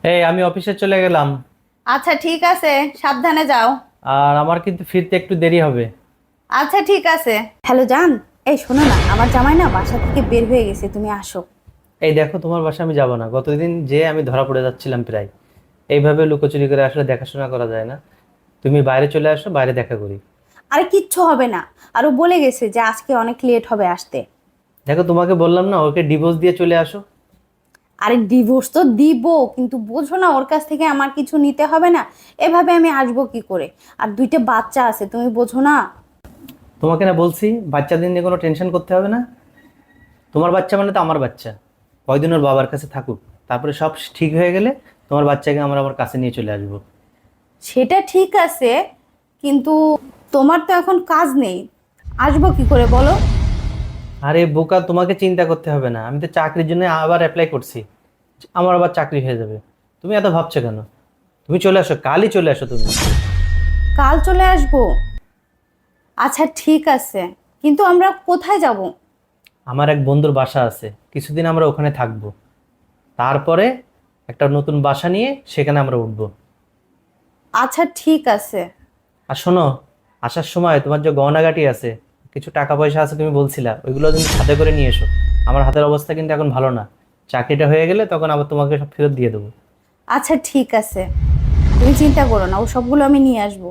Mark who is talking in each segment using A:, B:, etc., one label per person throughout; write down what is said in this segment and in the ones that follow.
A: এই আমি অফিসে চলে গেলাম।
B: আচ্ছা ঠিক আছে, সাবধানে যাও।
A: আর আমার কিন্তু ফিরতে একটু দেরি হবে।
B: আচ্ছা ঠিক আছে। হ্যালো জান, এই শোনো না, আমার জামাই না বাসা থেকে বের হয়ে গেছে, তুমি আসো।
A: এই দেখো, তোমার বাসায় আমি যাব না। গতদিন যে আমি ধরা পড়ে যাচ্ছিলাম প্রায়। এইভাবে লুকোচুরি করে আসলে দেখাশোনা করা যায় না। তুমি বাইরে চলে আসো, বাইরে দেখা করি।
B: আরে কিচ্ছু হবে না, আরো বলে গেছে যে আজকে অনেক লেট হবে আসতে।
A: দেখো, তোমাকে বললাম না ওকে ডিভোর্স দিয়ে চলে আসো।
B: আরে ডিভোর্স তো দিব, কিন্তু বোঝো না ওর কাছ থেকে আমার কিছু নিতে হবে না। এভাবে আমি আসবো কি করে? আর দুইটা বাচ্চা আছে, তুমি বোঝো না।
A: তোমাকে না বলছি বাচ্চাদের নিয়ে কোনো টেনশন করতে হবে না। তোমার বাচ্চা মানে তো আমার বাচ্চা। কয়দিন ওর বাবার কাছে থাকুক, তারপরে সব ঠিক হয়ে গেলে তোমার বাচ্চাকে আমরা আমার কাছে নিয়ে চলে আসবো।
B: সেটা ঠিক আছে, কিন্তু তোমার তো এখন কাজ নেই, আসবো কি করে বলো?
A: আরে বোকা, তোমাকে চিন্তা করতে হবে না। আমি তো চাকরির জন্য আবার অ্যাপ্লাই করছি। আমার আবার চাকরি হয়ে যাবে। তুমি এত ভাবছো কেন? তুমি চলে আসো, কালই চলে আসো তুমি।
B: কাল চলে আসবো? আচ্ছা ঠিক আছে, কিন্তু আমরা কোথায় যাব?
A: আমার এক বন্ধুর বাসা আছে, কিছুদিন আমরা ওখানে থাকবো। তারপরে একটা নতুন বাসা নিয়ে সেখানে আমরা উঠবো।
B: আচ্ছা ঠিক আছে।
A: আর শোনো, আসার সময় তোমার যে গহনাগাটি আছে, কিছু টাকা পয়সা আছে তুমি বলছিলা, ওইগুলো তুমি সাথে করে নিয়ে এসো। আমার হাতের অবস্থা কিন্তু এখন ভালো না। চাকরিটা হয়ে গেলে তখন আবার তোমাকে সব ফেরত দিয়ে দেবো।
B: আচ্ছা ঠিক আছে, তুমি চিন্তা করো না, ও সবগুলো আমি নিয়ে আসবো।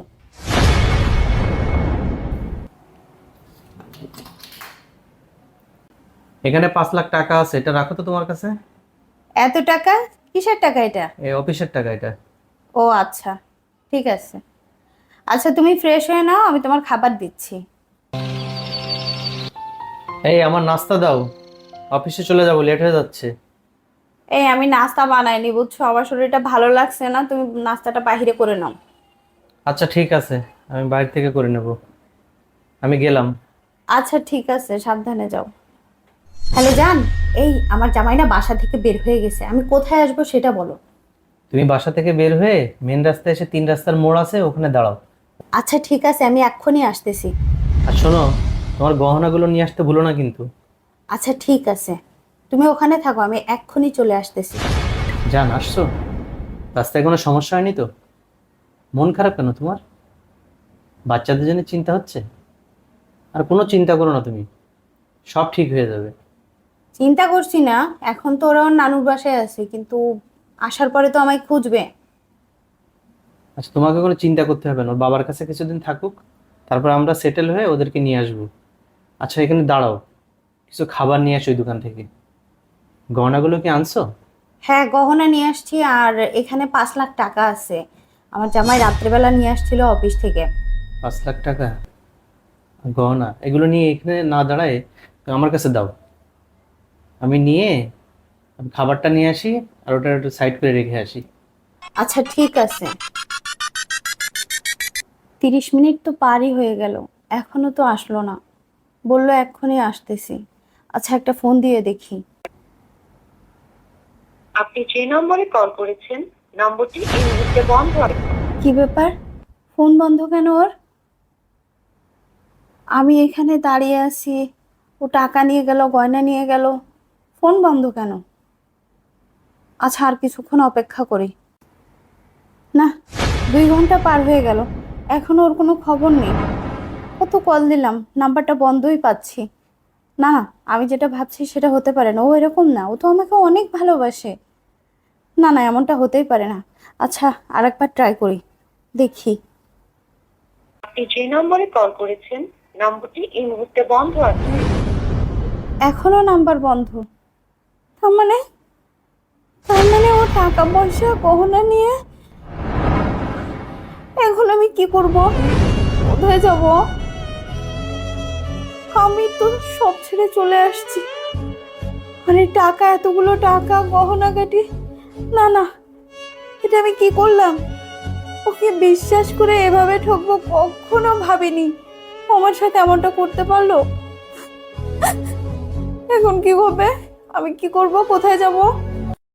A: এখানে 5 লাখ টাকা আছে, এটা রাখো তো তোমার কাছে।
B: এত টাকা? কিসের টাকা এটা?
A: এই অফিসের টাকা এটা।
B: ও আচ্ছা, ঠিক আছে। আচ্ছা তুমি ফ্রেশ হয়ে নাও, আমি তোমার খাবার দিচ্ছি।
A: এই আমার নাস্তা দাও, অফিসে চলে যাবো, লেট হয়ে যাচ্ছে।
B: এই আমি নাস্তা বানাইনি বুঝছো, আমার শরীরটা ভালো লাগছে না, তুমি নাস্তাটা বাইরে করে নাও।
A: আচ্ছা ঠিক আছে, আমি বাইরে থেকে করে নেব। আমি গেলাম।
B: আচ্ছা ঠিক আছে, সাবধানে যাও। হ্যালো জান, এই আমার জামাই না বাসা থেকে বের হয়ে গেছে, আমি কোথায় আসবো সেটা বলো।
A: তুমি বাসা থেকে বের হয়ে মেন রাস্তায় এসে 3 রাস্তার মোড় আছে, ওখানে দাঁড়াও।
B: আচ্ছা ঠিক আছে, আমি এক্ষুনি আসতেছি।
A: আর শোনো, তোমার গহনাগুলো নিয়ে আসতে ভুলো না কিন্তু।
B: আচ্ছা ঠিক আছে, তুমি ওখানে থাকো, আমি এক্ষুনি চলে আসতেছি।
A: জান, আসছো? রাস্তায় কোনো সমস্যা হয়নি তো? মন খারাপ কেন তোমার? বাচ্চাদের জন্য চিন্তা হচ্ছে? আর কোনো চিন্তা করো না তুমি, সব ঠিক হয়ে যাবে।
B: চিন্তা করছি না, এখন তো ওরা ওর নানুর বাসায় আছে, কিন্তু আসার পরে তো আমায় খুঁজবে।
A: আচ্ছা, তোমাকে কোনো চিন্তা করতে হবে না, ওর বাবার কাছে কিছুদিন থাকুক। তারপর আমরা সেটেল হয়ে ওদেরকে নিয়ে আসবো। আচ্ছা, এখানে দাঁড়াও, কিছু খাবার নিয়ে আসো ওই দোকান থেকে। গহনাগুলো কি আনছো?
B: হ্যাঁ গহনা নিয়ে আসছি, আর এখানে 5 লাখ টাকা আছে, আমার জামাই রাত্রেবেলা নিয়ে আসছিল অফিস থেকে।
A: 5 লাখ টাকা গহনা, এগুলো নিয়ে এখানে না দাঁড়ায় আমার কাছে দাও। আমি নিয়ে আমি খাবারটা নিয়ে আসি, আর ওটা একটু সাইড করে রেখে আসি।
B: আচ্ছা ঠিক আছে। 30 মিনিট তো পারই হয়ে গেল, এখনো তো আসলো না। বললো এক্ষুনি আসতেছি। আচ্ছা একটা ফোন দিয়ে দেখি।
C: আপনি যে নম্বরে কল করেছেন নম্বরটি এই মুহূর্তে বন্ধ আছে।
B: কি ব্যাপার, ফোন বন্ধ কেন ওর? আমি এখানে দাঁড়িয়ে আছি, ও টাকা নিয়ে গেল, গয়না নিয়ে গেল, ফোন বন্ধ কেন? আচ্ছা আর কিছুক্ষণ অপেক্ষা করি। না, 2 ঘন্টা পার হয়ে গেল, এখনো ওর কোনো খবর নেই। কত কল দিলাম, নাম্বারটা বন্ধই পাচ্ছি। না না, আমি যেটা ভাবছি সেটা হতে পারে না, ও এরকম না, ও তো আমাকে অনেক ভালোবাসে। না না, এমনটা হতেই পারে না। আচ্ছা আরেকবার ট্রাই করি, দেখি।
C: আপনি যে নম্বরে কল করেছেন নম্বরটি এই মুহূর্তে বন্ধ আছে।
B: এখনো নাম্বার বন্ধ? তার মানে, ও টাকা পয়সা গহনা নিয়ে, এখন আমি কি করব? কোথায় যাব? আমি তো সব ছেড়ে চলে আসছি, মানে টাকা, এতগুলো টাকা, গহনা গাটি। না না, এটা আমি কি করলাম? ওকে বিশ্বাস করে এভাবে ঠকবো কখনো ভাবিনি, ও আমার সাথে এমনটা করতে পারলো। এখন কি হবে? আমি কি করব? কোথায় যাব?